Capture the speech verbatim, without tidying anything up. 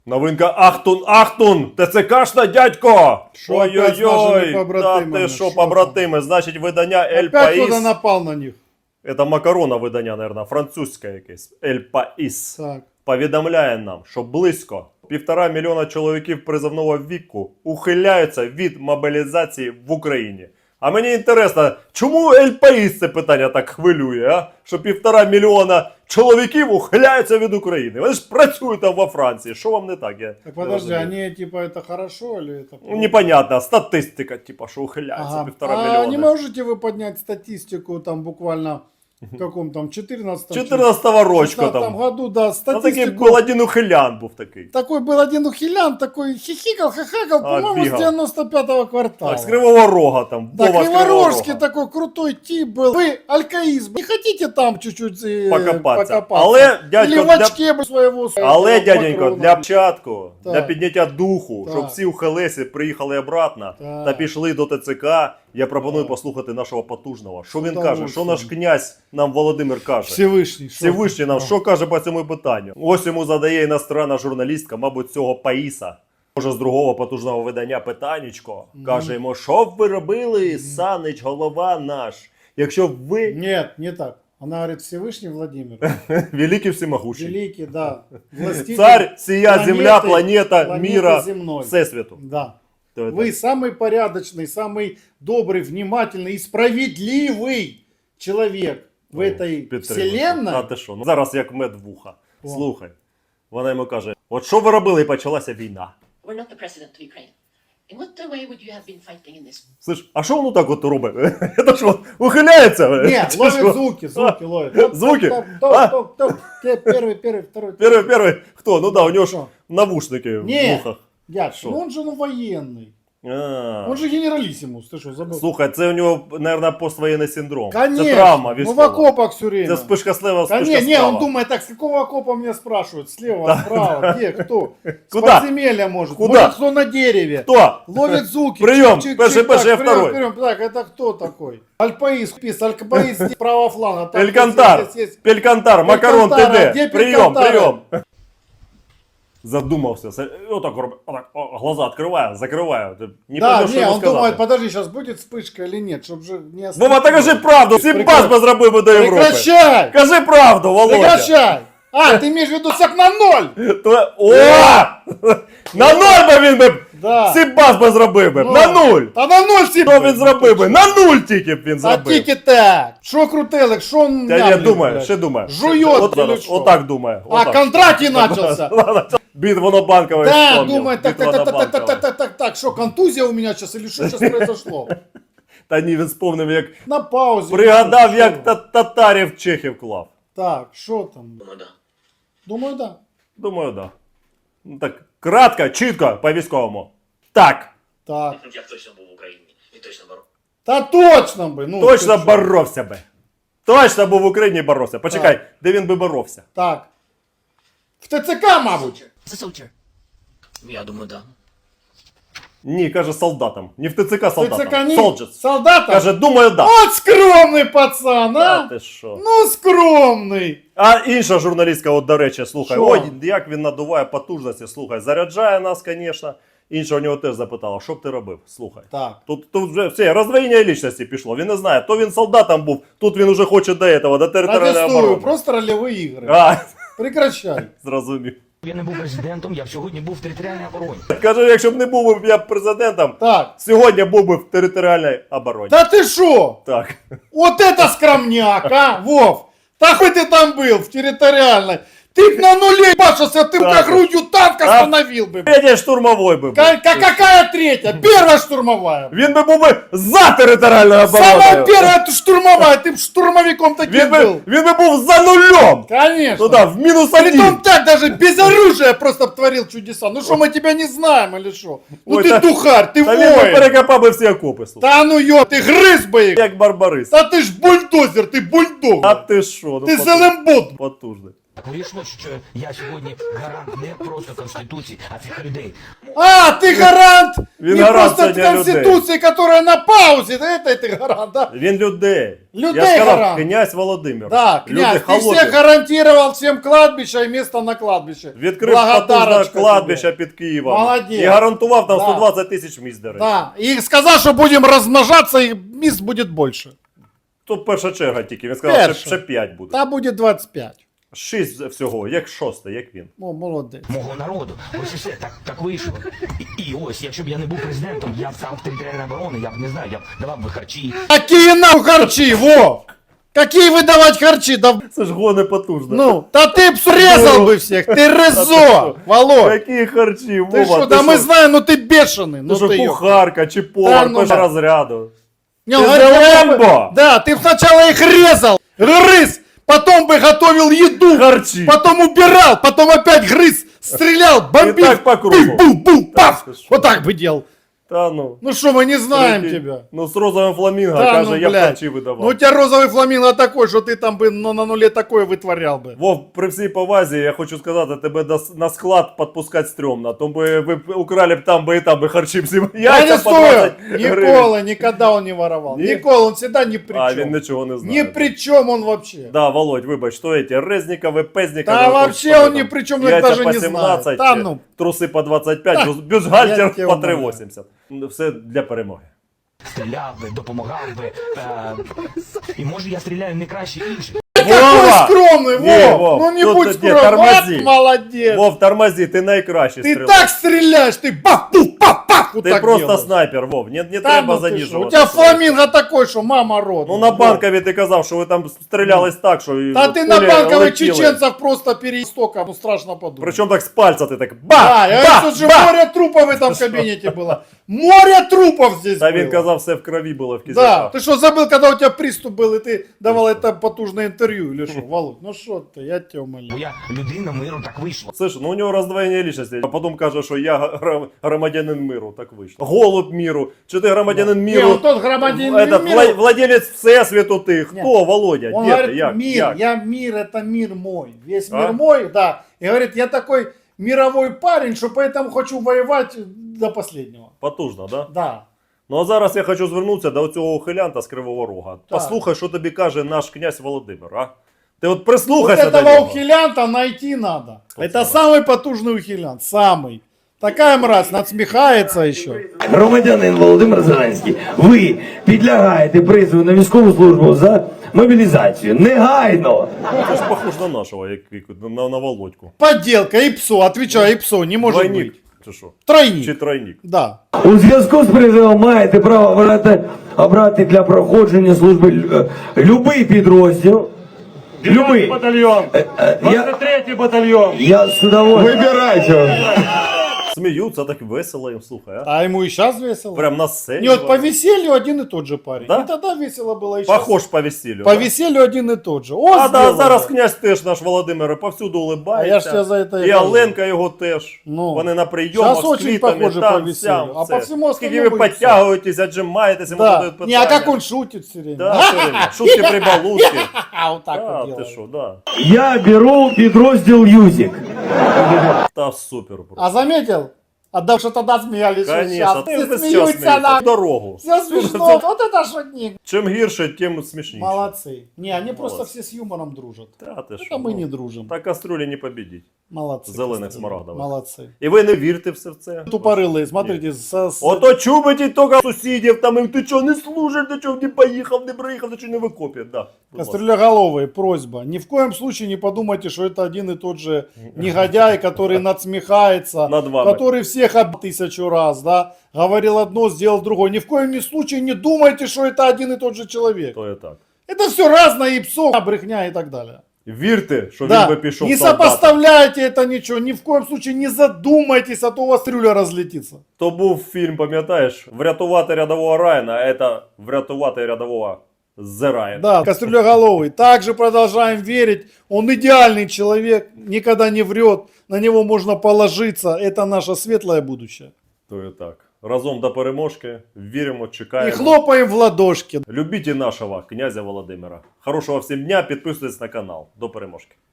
Новинка Ахтун, Ахтун! ТЦКшна, дядько! Шо опять з нашими Ой-ой-ой! Та побратимами? ти що, Що побратими? Значить, видання Ель Опять кто-то Паїс. напал на них. Це макарона видання, наверное, французьке якесь. Ель Паїс. Так. Повідомляє нам, що близько півтора мільйона чоловіків призовного віку ухиляються від мобілізації в Україні. А мені інтересно, чому Ель Паїс це питання так хвилює, а? Що півтора мільйона чоловіків ухиляються від України. Вони ж працюють там во Франції. Що вам не так? Я Так не подожди, розумію. они типа это хорошо или это плохо? Ну, непонятно, статистика, типа, що ухиляються Ага. півтора А мільйона. не можете вы поднять статистику там буквально в каком там четырнадцатом чотирнадцятого рочка там. там году, да, Ну, такий статистику. був один ухилян був такий. Такой был один ухилян, такой хихикал, хахакал, А, по-моему, с бегал. девяносто пятого квартала. Так, з Кривого Рога там. Да, Вова з Криворожский Кривого Рога. такой крутой тип был. Вы алкаизм. Не хотите там чуть-чуть э, Покопатися. покопаться? Але, дядько, Или в для... очке бы своего... Але, этого дяденько, патрона. для початку, Так. для підняття духу, Так. щоб всі ухилесі приїхали обратно Так. та пішли до ТЦК, я пропоную Так. послухати нашого потужного. Що він З каже? Що наш князь нам Володимир каже? Всевышний. шо? Всевишній нам А. що каже по цьому питанню? Ось йому задає іностранна журналістка, мабуть, цього Паїса. Може, з другого потужного видання питаннячко. Каже йому, що б ви робили, Санич, голова наш, якщо б ви Нет, не так. Она говорит, Всевышний Владимир. великий всемогущий. Великий, да. Властитель Царь, сия планеты- земля, планета, планеты мира, земной. всесвіту. Да. То это- Вы самый порядочный, самый добрый, внимательный и справедливый человек в этой Підтримую. вселенной. А ти що? Ну, зараз як мед в вуха. О. Слухай. Вона йому каже, от що ви робили і почалася війна? We're not the president of Ukraine. In what way would you have been fighting in this? Слиш, а що воно так от робить? Це що, ухиляється? Не, Чи ловит що? звуки, звуки ловит. Звуки? Топ, А? топ, топ, топ. Первый, первый, второй. Перший, перший, хто? Ну да, у нього ж Що? навушники в Не, вухах. дядь, Що? ну он же ну военный. А. Он же генералиссимус, ты что, забыл? Слухай, це у нього, мабуть, поствоєнний синдром. Конечно, Це травма ну в військова. окопах все время. Це спишка слева, Да спишка не, не, справа. он думает так, с какого окопа меня спрашивают? Слева, справа, где, кто? С Куда? подземелья может. Куда? Может, кто на дереве. Хто? Ловит звуки. Прием, Чик, чик, перший, чик, перший, так, прием, второй. прием. Так, это кто такой? Альпаис, пис, Альпаис, здесь правого фланга. Так, Пелькантар, здесь, здесь, здесь. Пелькантар, Макарон, ти Пелькантара, де? де Прийом, Пелькантара? прийом. Задумався. Це- Отак робить. Отак, о, глаза відкриває, закриває. Ти Не Да, поймеш, що не, йому он сказати. думает, подожди, сейчас будет вспышка или нет, чтобы же не Вова, та кажи правду, Симпас Прекращай. би зробив би до Європи. Прекращай! Кажи правду, Володя. Прекращай! А, ты имеешь в виду сяк на ноль? То- О! На нуль би він би Да. Симпас би зробив би. Ну, На нуль. Та на ноль всі. Що він зробив би? На нуль тільки б він А зробив. тільки так. Що крутелик, що Я не мямлить, думаю, блядь? ще думає. Жует От или зараз, що? отак думає. А, отак. Кондратій начался. Бит Вонобанкова Да, вспомнил. думает, так, Бит так, так, так, так, Вонобанкова. так, так, так, так, что, контузия у меня сейчас или что сейчас произошло? Та ні, він вспомнив, як На паузе. пригадав, Що? як та- татарів чехів клав. Так, що там? Думаю, да. Думаю, да. Думаю, да. Ну так, кратко, чітко, по-військовому. Так, Так. Я точно був в Україні і точно боров. Та точно би. Ну, точно ти що? боровся би. Точно був в Україні і боровся. Почекай, де він би боровся? Так. В ТЦК, мабуть. Це soldier. Я думаю, да. Ні, каже солдатам. Не в ТЦК солдатам. ТЦК ні. Soldiers. Солдата? Каже, думаю, да. От скромний пацан, А а? ти що? Ну, скромний. А інша журналістка, от до речі, слухай, Що? ой, як він надуває потужності, слухай, заряджає нас, звісно. Інша у нього теж запитала, що б ти робив? Слухай. Так. Тут, тут вже все, роздвоєння лічності пішло, він не знає, то він солдатом був, тут він уже хоче до этого, до територіальної Протестую, оборони. просто рольові ігри. А, Прекращай. зрозумів. Я не був президентом, я б сьогодні був в територіальній обороні. Каже, якщо б не був би я президентом, Так. сьогодні був би в територіальній обороні. Да ты шо? Так. Вот это скромняк, а, Вов! Да хоть ты там был, в территориальной. Ты б на нуле башился, ты б Так. как грудью танк остановил бы. Третій штурмовий би був. Ка- ка- какая третья? Первая штурмовая. Він би був би за територіальною Самая обороною. первая ты штурмовая, ты б штурмовиком таким Він би, был. він би був за нулем. Конечно. Ну да, в мінус один. Притом так даже без оружия просто б творил чудеса. Ну что, мы тебя не знаем или что? Ну Ой, ты та- духарь, ты Та він би воин. перекопав би всі окопи, слухай. Да ну ё, ты грыз бы их. Як барбарис. Да ты ж бульдозер, ты бульдог. А ти що? Ну, Ты потужний. зелембот. Потужний. Так вийшло, що я сьогодні гарант не просто Конституції, а цих людей. А, ты гарант Він не гарант просто сьогодні Конституции, которая на паузе, да это ты гарант, да? Він людей. Людей Я сказав, гарант. князь Володимир. Да, Люди князь, ты холодні. всех гарантировал всем кладбище и место на кладбище. Відкрив потужне Благодарочка кладбище тебе. під Києвом. Молодець. І гарантував там Да. сто двадцять тисяч місць, до речі. Да, и сказал, что будем размножаться, и мест будет больше. То перша черга тільки. Він сказав, Перша. що ще п'ять буде. Да будет двадцать пять. Шість всього, як шосте, як він. Ну, молодец. Мого народу. Ось і все, так, так вийшло. І, і ось, якщо б я не був президентом, я б сам в територіальній оборони, я б не знаю, я б давав би харчі. Какие нахуй харчи, во! Какие выдавать харчи? Да, Це ж гони потужно. ну, да ты б срезал бы всех, ты резо, Володь. Які харчі, Ты Вова, что, да ти мы що? знаем, ну ты бешеный. Ти Ну що, ты ё- кухарка чи Та повар ну, першого да. розряду? Не, Ты он же говорит, я бы- Рэмбо! Да, ты б сначала их резал, грыз, потом бы готовил еду, Харчи. потом убирал, потом опять грыз, стрелял, бомбил. так по кругу. Бум-бум-бум, паф. ты что? Вот так бы делал. Та ну. Ну что, мы не знаем Прикинь. тебя. Ну з розовим фламінго, Да, каже, ну, я б блядь. харчі видавав. Ну у тебя розовый фламинго такой, что ты там бы ну, на нуле такое вытворял бы. Вов, при всій повазі, я хочу сказати, тебе до с- на склад підпускати стрьомно. То би ви б украли б там би і там би харчі всі Я яйця не по стою. двадцять гривень. Никола, никогда он не воровал. Ни- Никола, он всегда ни при А, чем. він нічого не знає. Ни при чем он вообще. Да, Володь, вибач, що эти Резникові, Пезникові. Да вот вообще что он там, ни при чем, яйця даже по не знает. сімнадцять, Да ну. труси по двадцять п'ять, Да. бюз- Я бюстгальтер тебе по умоляю. три вісімдесят. Все для перемоги. Стріляв би, допомагав би. Е, і може я стріляю не краще інших. Какой Вова! скромный, Не, Вов! Вов, Ну не тут будь ты скромным, тормози. вот молодец! Вов, тормози, ти найкращий Ты стрілок. так стреляешь, ты бах, пух, пах, пах, вот Ти так просто делаешь. снайпер, Вов, не, не Да треба ну ты шо, заніжувати. у тебя фламинго такой, что мама рот. Ну на Банкові ти казав, що ви там стрілялись так, що... і Да ты на пулі банковых летіли. чеченцев просто перестока, ну страшно подумать. Причому так з пальця ти так ба, Да, я ба, говорю, тут же ба. море трупов в этом кабинете было. Море трупов здесь Та было. він казав, все в крові було в Да, кізяках. ты что, забыл, когда у тебя приступ был, и ты давал это потужное интервью, или что, Володь? Ну что ты, я тебя Бо умоляю. я людина миру, так вийшло. Слышь, ну у нього роздвоєння лічності. А потім каже, що я гра- громадянин миру, так вийшло. Голуб миру. Чи ти громадянин Не, миру? он тот громадянин Этот, мира. вла- владелець всесвіту ти. Хто, Нет. Володя? Он Де говорит, ти? Як? мир, Як? я мир, это мир мой. Весь А? мир мой, да. И говорит, я такой мировой парень, что поэтому хочу воевать до последнего. Потужно, да? Да. Ну а зараз я хочу звернутися до цього ухилянта з Кривого Рога. Так. Послухай, що тобі каже наш князь Володимир, а? Ти от Вот прислухайся до этого нього. ухилянта найти надо. Вот Это самое. самый потужный ухилянт, самый. Такая мразь, надсмехается еще. Громадянин Володимир Зеленський, ви підлягаєте призову на військову службу за мобілізацію. Негайно! Це ж похож на нашого, як, як- на, на Володьку. Подделка, ИПСО, отвечаю, ИПСО, не может Двойник. быть. Чи що? Тройник. Чи тройник? Да. У зв'язку з призовом маєте право обрати, обрати для проходження служби лю- е, любий підрозділ. Любий. Батальйон. Е, е, Я, двадцять третій батальйон. я з удовольствием. Вибирайте. Сміються, так весело їм, слухай, а? А ему и сейчас весело. Прям на сцені. Не, вот по веселью один и тот же парень. Да? И тогда весело было и щас. Похож по весіллю. По да? веселью один и тот же. О, А да, сделал, зараз да. князь теж наш Володимир повсюду улибається. А я ж тебе за это и І кажу. Оленка його теж. Ну. Вони на прийомах Щас з очень квітами, похоже там, по веселью. сям, А все. по всему Скільки ви остальному и підтягуєтесь, отжимаєтесь, йому Да. задають питання. Не, а как он шутит все время. Да, все время. Шутки прибалушки. А, вот так Да, вот ти делает. що, да. Я беру підрозділ Юзік. Та супер просто. А заметил? А да, что тогда смеялись, что Конечно, сейчас. ти Все весь час смеются, смієшся. да. Дорогу. Все смешно. Вот это шутник. Чим гірше, тим смішніше. Молодцы. Не, они просто Молодцы. все с юмором дружат. Та, ти Это що, мы ну, не дружим. Та кастрюлі не побідіть. Молодцы. Зеленых Костя. смарагдовых. Молодцы. І ви не вірте все в це. Тупорылые, смотрите, со- с- Ото чубить тільки сусідів, там, і ти чого не служиш, ти чого не поїхав, не приїхав, ти чого не викопів. Да. будь ласка. Кастрюлеголовые, просьба. Ни в коем случае не подумайте, что это один и тот же негодяй, который надсмехается, Над вами. который всех об тысячу раз, да, говорил одно, сделал другое. Ни в коем случае не думайте, что это один и тот же человек. То є так. Это все разное, и псо, брехня и так далее. Вірте, що він Да, би пішов не солдатом. сопоставляйте это ничего, ни в коем случае не задумайтесь, а то у вас трюля разлетится. То був фільм, пам'ятаєш? Врятувати рядового Райана, а це врятувати рядового Зе Райана. Да, кастрюлеголовый. Также продолжаем верить. Он идеальный человек, никогда не врет, на него можно положиться. Это наше светлое будущее. То є так. Разом до переможки. Віримо, И чекаємо. хлопаем в ладошки. Любіть і нашого князя Володимира. Хорошого всім дня, підписуйтесь на канал. До переможки.